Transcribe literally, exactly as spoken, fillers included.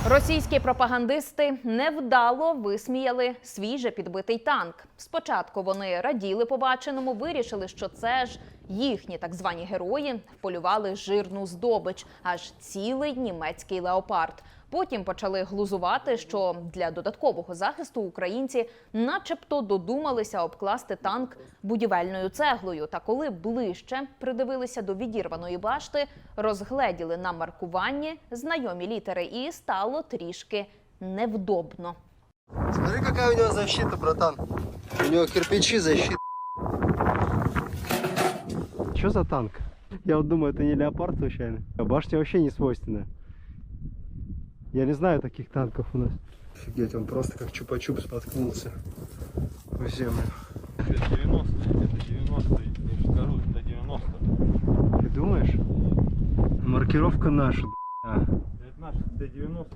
Російські пропагандисти невдало висміяли свіже підбитий танк. Спочатку вони раділи побаченому, вирішили, що це ж їхні так звані герої вполювали жирну здобич, аж цілий німецький леопард. Потім почали глузувати, що для додаткового захисту українці начебто додумалися обкласти танк будівельною цеглою. Та коли ближче придивилися до відірваної башти, розгледіли на маркуванні знайомі літери і стало трішки невдобно. Смотри, какая у него защита, братан. У него кирпичи защита. Что за танк? Я вот думаю, это не леопард случайно. А башня вообще не свойственная. Я не знаю таких танков у нас. Офигеть, он просто как чупа-чуп споткнулся в землю. Это девяностые, это девяностые, я же скажу, это девяностые. Ты думаешь? Маркировка наша. Это наши, это девяностые.